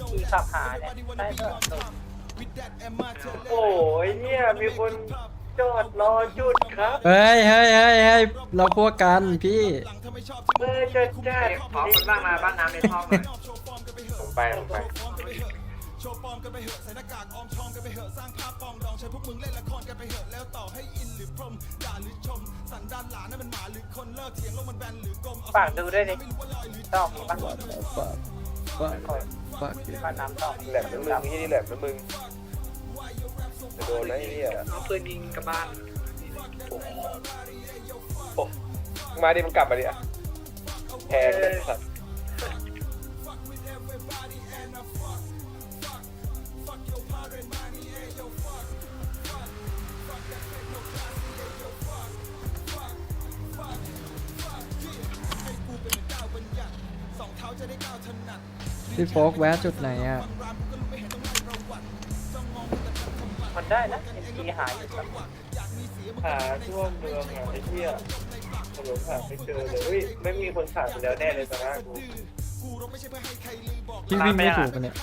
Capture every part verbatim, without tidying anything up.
ขี่ขับหาเนี่ยได้ก็จบโอ้ยเนี่ยมีคนจอดรอจุดครับเฮ้ยเฮ้ยเฮ้ยเฮ้ยเราพวกกันพี่เออจะจัดขอคนบ้างมาบ้านน้ำในท้องหน่อยผมไปผมไปฝากดูด้วยดิต้องมีบ้างฝากฝากฝากบ้านน้ำต้องแหลมนะมึงที่นี่แหลมนะมึงจะโดนไหมเนี่ยเอาปืนยิงกับบ้านโอ้มาดิมันกลับมาดิอ่ะแพงเลยสัตว์พี่โฟกแวะจุดไหนอ่ะมันได้นะเอ็นจีหายอยู่ครับหาทั่วเมืองอ่ะไอ้เหี้ยถนนหาไม่เจอเลยเฮ้ยไม่มีคนขาดไปแล้วแน่เลยตอนนั้นกูพี่วิ่งไม่ถูกกันเนี่ย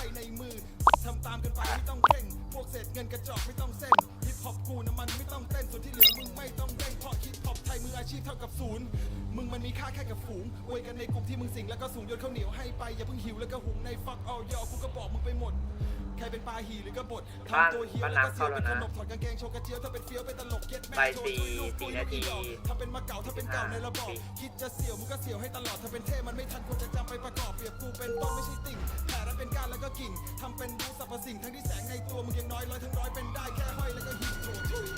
มึงมันมีค่าแค่กับฝูงอวยกันในกลุ่มที่มึงสิงแล้วก็สูงโยนข้าวเหนียวให้ไปอย่าเพิ่งหิวแล้วก็หุงในฟักเอายอกูก็บอกมึงไปหมดใครเป็นปลาหีหรือกระบดบ้านทำตัวเฮียบ้านแล้วก็น้ำเสีเข้าย แล้วเป็นขนะนมถอดกางเกงโชว์กระเจียวถ้าเป็นเฟี้ยวเป็นตลกเย็ดแม่ไปสี่สี่นาทีถ้าเป็นมาเก่าถ้าเป็นเก่าในระบอบคิดจะเสี่ยวมึงก็เสี่ยวให้ตลอดถ้าเป็นเท่มันไม่ทันควรจะจำไปประกอบเปรียบกูเป็นต้นไม่ใช่ติ่งแผ่แล้วเป็นก้านแล้วก็กิ่งทำเป็นรู้สรรพสิ่งทั้งที่แสงในตัวมึงยังน้อยร้อยทั้งร้อยเป็นได้แค่ห้อยแล้วก็หิบโถทุย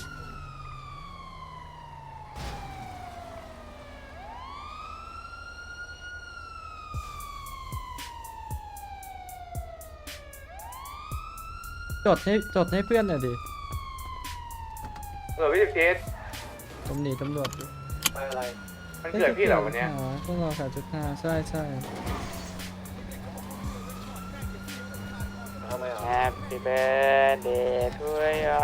จดให้จดให้เพื่อนหน่อยดิเออพี่เจสตำหนิตำรวจดิไปอะไรมันเกิดพี่เหรอวันเนี้ยอ๋อพวกเราขายจุดห้าใช่ใช่ทำไมอ่ะ Happy birthday to you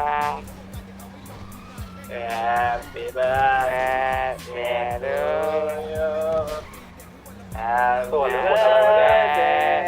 Happy birthday to you Happy ส่วนหรือคนทำอะไรวะเนี่ย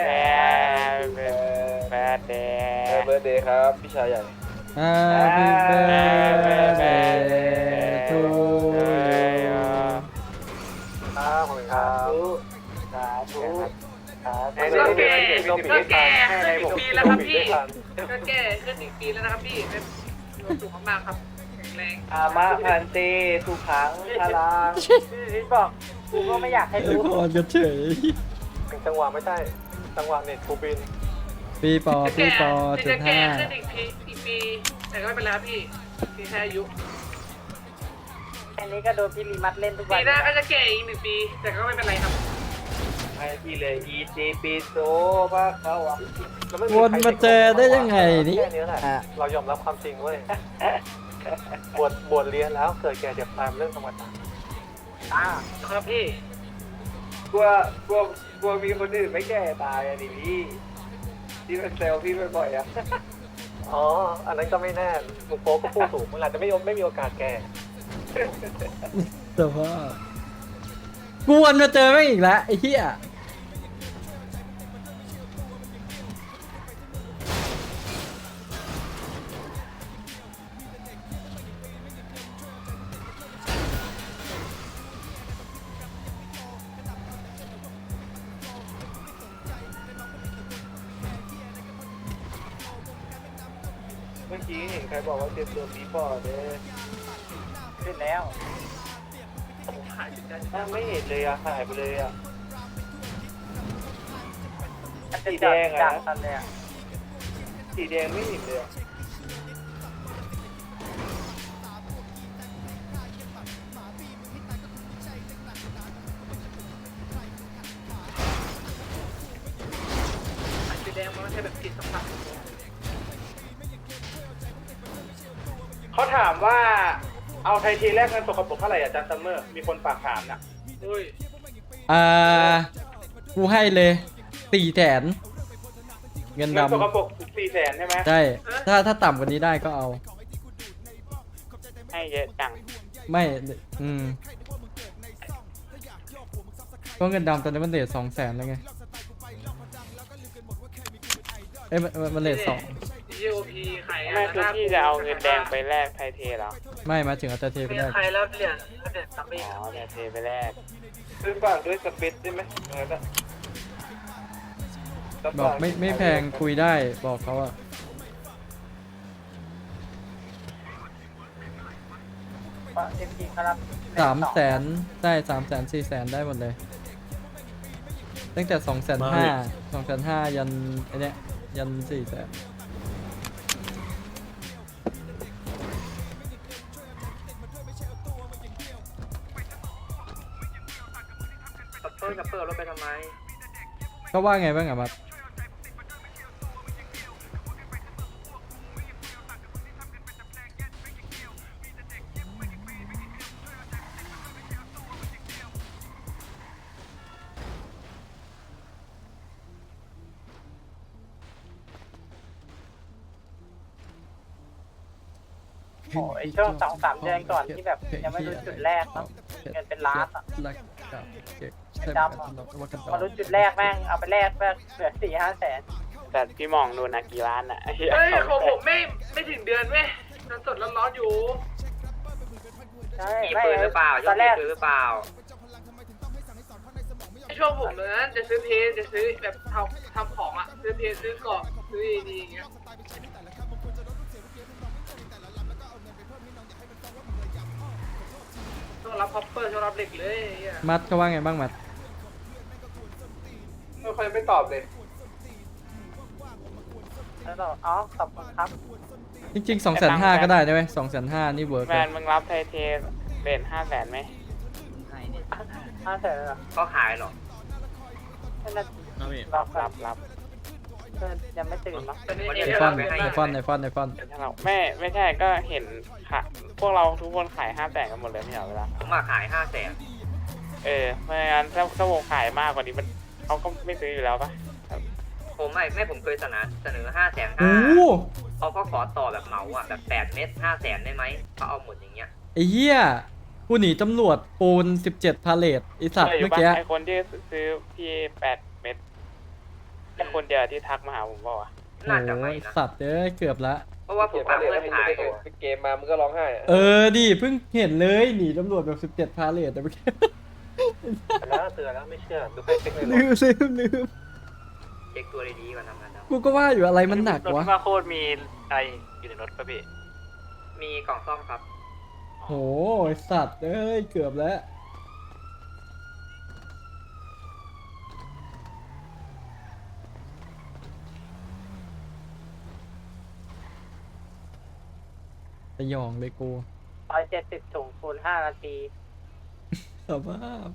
birthday เออเบิร์ดเดย์ครับพี่ชายใหญ่ Happy birthday to you ครับขอบคุณครับสาธุสาธุก็แก่ก็ก็แก่ให้ขึ้นผมอีกปีแล้วครับพี่ไม่ทันก็แก่ขึ้นอีกปีแล้วนะครับพี่เป็นความสุขมากๆครับแข็งแรงอามาพันเตทุกครั้งพลังพี่บอกกูก็ไม่อยากให้ไอ้รู้พรกันเฉยจังหวะไม่ใช่จังหวะเน็ตกูบินปีปอปีปอจุจะดแก่ห้าขึ้นอีกปีอีกปี แต่ก็ไม่เป็นไรครับพี่พี่แค่อายุอันนี้ก็โดนพี่ลีมัดเล่นทุกวัปีนหน้าก็จะแก่อีกหนึ่งปี แต่ก็ไม่เป็นไรครับให้พี่เลยอีจีปีโซว่าเขาอ่ะวนมาเจอได้ยังไงนี่แค่นี้แหละเรายอมรับความจริงเว้ยบวชบวชเรียนแล้วเกิดแก่เจ็บตายเป็นเรื่องธรรมดาอ่าครับพี่กลัวกลัวกลัวมีคนอื่นไม่แก่ตายอ่ะดิพี่ที่เป็นเซลพี่บ่อยๆอ่ะอ๋ออันนั้นก็ไม่แน่ลุงโป๊ก็พูดถูกมันอาจจะไม่ไม่มีโอกาสแก่แต่ว่ากูวนมาเจอแม่งอีกแล้วไอ้เหี้ยเมื่อกี้เห็นใครบอกว่าเตรียมตัวปีปอดเลยขึ้นแล้วถ้าไม่เห็นเลยอะหายไปเลยอะมันจะจอดดักตอนเลยอ่ะสีแดงไม่เห็นเลยอะสีแดงมันไม่ใช่แบบติดสัมผัสเขาถามว่าเอาไทยทีแรกเงินตกกระปุกเท่าไหร่อาจารย์ซัมเมอร์มีคนฝากถามน่ะอุ้ยอ่ากูให้เลยสี่แสนเงินเงินตกกระดำปุกสี่แสนใช่ไหมใช่ถ้าถ้าต่ำกว่านี้ได้ก็เอาให้เยอะจังไม่อืมก็เงินดำตอนนี้มันเดทสองแสนแล้วไงเอ้ยมันมันมันเลทสองยีโอพีไข่ไม่คือพี่จะเอาเงินแดงไปแลกไทเทเหรอไม่มาถึงอัตราเทไปมีได้ใครแล้วเหรียญเหรียญซัมบี้อ๋อไทเทไปแลกซื้อฝากด้วยสปิดได้ไหมเออนะบอกไม่ไม่แพงคุยได้บอกเขาอะเอ็มจีครับสามแสนได้สามแสนสี่แสนได้หมดเลย ตั้งแต่สองแสนห้าสองแสนห้ายันไอเนี้ยยันสี่แสนกับเพิ่มกับเพิ่มรถไปทำไมก็ว่าไงบ้างอะมัดโอ้ไอช่วงสองสามเดือนก่อนที่แบบยังไม่รู้จุดแรกเนาะเงินเป็นล้านอ่ะดำอะพอรู้จุดแรกแม่งเอาไปแลกแม่งเหลือสี่ห้าแสนแต่พี่มองดูนะกี่ล้านอ่ะเฮ้ยของผมไม่ไม่ถึงเดือนเว้ยเงินสดร้อนๆอยู่ใช่ไม่หรือเปล่าตอนแรกหรือเปล่าไอช่วงผมเลยนะจะซื้อเพจจะซื้อแบบทำทำของอ่ะซื้อเพจซื้อเกาะซื้อดีอย่างเงี้ยต้องรับคอปเปอร์ต้องรับเหล็กเลยไอ้เหี้ยมัดก็ว่าไงบ้างมัดไม่ค่อยไม่ตอบเลยแล้วก็อ๋อขอบคุณครับจริงๆสองแสนห้าก็ได้นะเว้ยสองแสนห้านี่เวิร์กแมนมึงรับไทเทเรทห้าแสนไหมห้าแสนเหรอก็ขายหรอนั่นน่ะรับรับรับยังไม่ตื่นมั้งไอฟอนไอฟอนไอฟอนไอฟอนถ้าเราไม่ไม่ใช่ก็เห็นค่ะพวกเราทุกคนขายห้าแสนกันหมดเลยไม่เหรอเวลาผมมาขายห้าแสนเออไม่งั้นถ้าถ้าวงขายมากกว่านี้มันเขาก็ไม่ซื้ออยู่แล้วปะผมไม่ไม่ผมเคยเสนอเสนอห้าแสนโอ้ห้าเขาก็ขอต่อแบบเหมาอ่ะแบบแปดเม็ดห้าแสนได้ไหมเขาเอาหมดอย่างเงี้ยไอเหี้ยกูหนีตำรวจปูนสิบเจ็ดพาเลทไอสัตว์ใช่ยู่เมื่อปะกี้ไอคนที่ซื้อพี่แปดเม็ดไอคนเดียวที่ทักมาหาผมบอกว่าน่าจะโอ้ไม่ยนะสัตว์เอ้ยเกือบละเพราะว่าผมฟังเพื่อนขายอยู่เกมมามึงก็ร้องไห้อะเออดิเพิ่งเห็นเลยหนีตำรวจแบบสิบเจ็ดพาเลทแต่เมื่อกี้แล้วเตือนแล้วไม่เชื่อดูไปเช็คเลยลืมลืมลืมเช็คตัวดีๆก่อนทำงานเรากูก็ว่าอยู่อะไรมันหนักวะมาโคตรมีอะไรอยู่ในรถป่ะพี่มีกล่องซ่อมครับโหไอ้สัตว์เอ้ยเกือบแล้วสยองเลยกูร้อยเจ็ดสิบถุงคูณห้านาทีสภาพ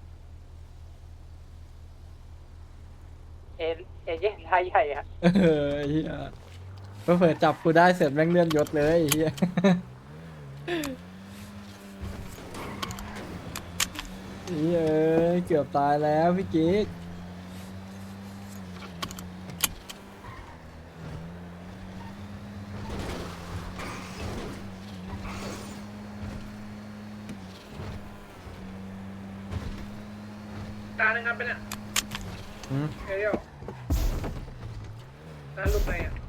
เอเอเย่นรายใหญ่อะเออเฮียเผื่อจับกูได้เสร็จแม่งเลื่อนยศเลยเฮียเฮียเกือบตายแล้วพี่กิ๊กตาหนึ่งครับเป็นเนี่ยอืมเฮ้ยเดียวตาลูกไหนอ่ะ